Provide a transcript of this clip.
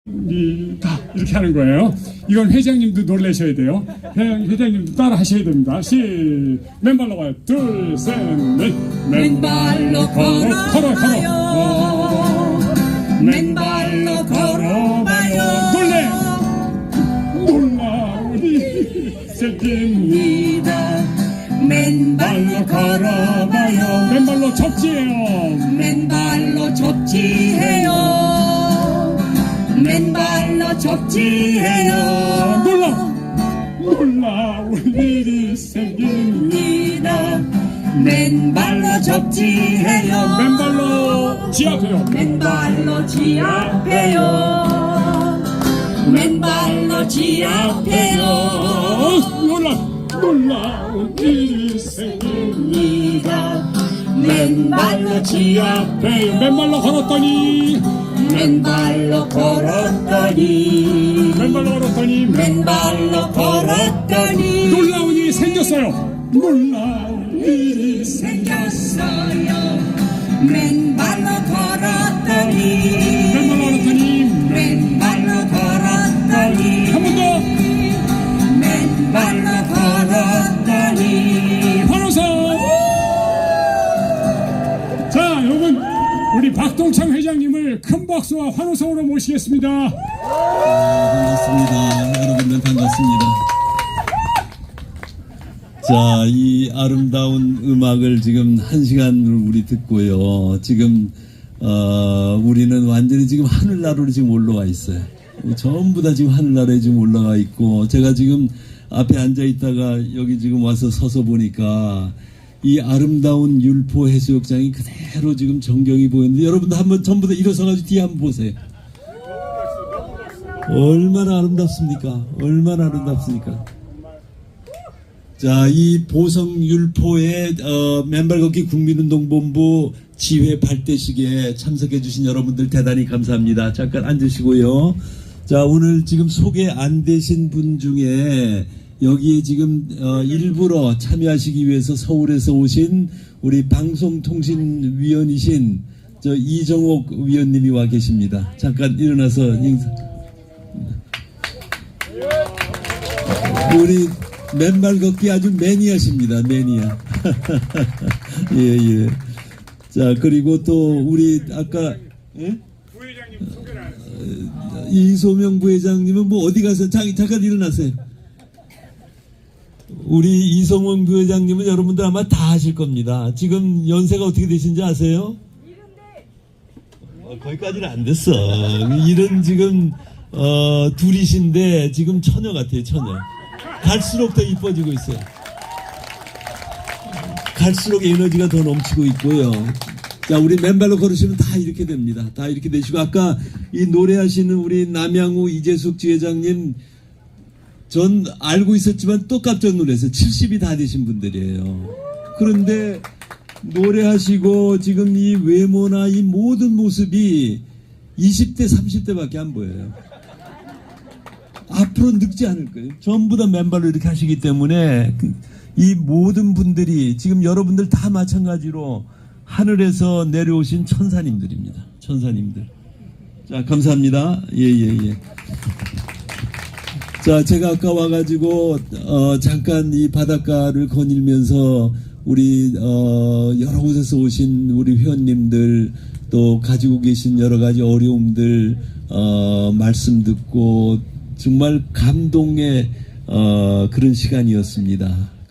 다 이렇게 하는 거예요. 이건 회장님도 놀라셔야 돼요. 회장님도 따라 하셔야 됩니다. 맨발로 가요. 둘, 셋, 넷. 맨발로 걸어봐요. 맨발로 걸어봐요. 놀라 우리 새끼입니다. 맨발로 걸어봐요. 맨발로 접지해요. 맨발로 접지해요. 맨발로 접지해요. 놀라 우리 새끼입니다. 맨발로 접지해요. 맨발로 지압해요. 맨발로 지압해요. 맨발로 지압해요. 놀라 우리 새끼입니다. 맨발로 지압해요. 맨발로 걸었더니 맨발로 걸었더니 맨발로 걸었더니 놀라운 일이 생겼어요. 놀라운 일이 생겼어요. 맨발로 걸었더니 맨발로 걸었더니 한 번 더 맨발로 걸었더니 환호성. 자, 여러분 우리 박동창 회장님을 큰 박수와 환호성으로 모시겠습니다. 반갑습니다. 여러분들 반갑습니다. 자, 이 아름다운 음악을 지금 1시간을 우리 듣고요. 지금 우리는 완전히 지금 하늘나라로 지금 올라와 있어요. 전부 다 지금 하늘나라에 지금 올라가 있고, 제가 지금 앞에 앉아 있다가 여기 지금 와서 서서 보니까 이 아름다운 율포 해수욕장이 그대로 지금 전경이 보이는데, 여러분들 한번 전부 다 일어서가지고 뒤에 한번 보세요. 얼마나 아름답습니까? 얼마나 아름답습니까? 자, 이 보성 율포의 맨발 걷기 국민운동본부 지회 발대식에 참석해 주신 여러분들 대단히 감사합니다. 잠깐 앉으시고요. 자, 오늘 지금 소개 안 되신 분 중에 여기에 지금 일부러 참여하시기 위해서 서울에서 오신 우리 방송통신위원이신 이정옥 위원님이 와 계십니다. 잠깐 일어나서 인사. 우리 맨발 걷기 아주 매니아십니다. 매니아. 예, 예. 자, 그리고 또 우리 아까 부회장님 소개를 안 했어요. 이소명 부회장님은 뭐 어디 가서 잠깐 일어나세요. 우리 이성원 부회장님은 여러분들 아마 다 아실 겁니다. 지금 연세가 어떻게 되신지 아세요? 거기까지는 안 됐어. 일은 지금 둘이신데 지금 처녀 같아요. 처녀. 갈수록 더 이뻐지고 있어요. 갈수록 에너지가 더 넘치고 있고요. 자, 우리 맨발로 걸으시면 다 이렇게 됩니다. 다 이렇게 되시고, 아까 이 노래하시는 우리 남양우 이재숙 지회장님, 전 알고 있었지만 또 깜짝 놀랐어요. 70이 다 되신 분들이에요. 그런데 노래하시고 지금 이 외모나 이 모든 모습이 20대 30대밖에 안 보여요. 앞으로 늙지 않을 거예요. 전부 다 맨발로 이렇게 하시기 때문에 이 모든 분들이 지금 여러분들 다 마찬가지로 하늘에서 내려오신 천사님들입니다. 천사님들. 자, 감사합니다. 예. 자, 제가 아까 와가지고 잠깐 이 바닷가를 거닐면서 우리 여러 곳에서 오신 우리 회원님들, 또 가지고 계신 여러 가지 어려움들 말씀 듣고 정말 감동의 그런 시간이었습니다.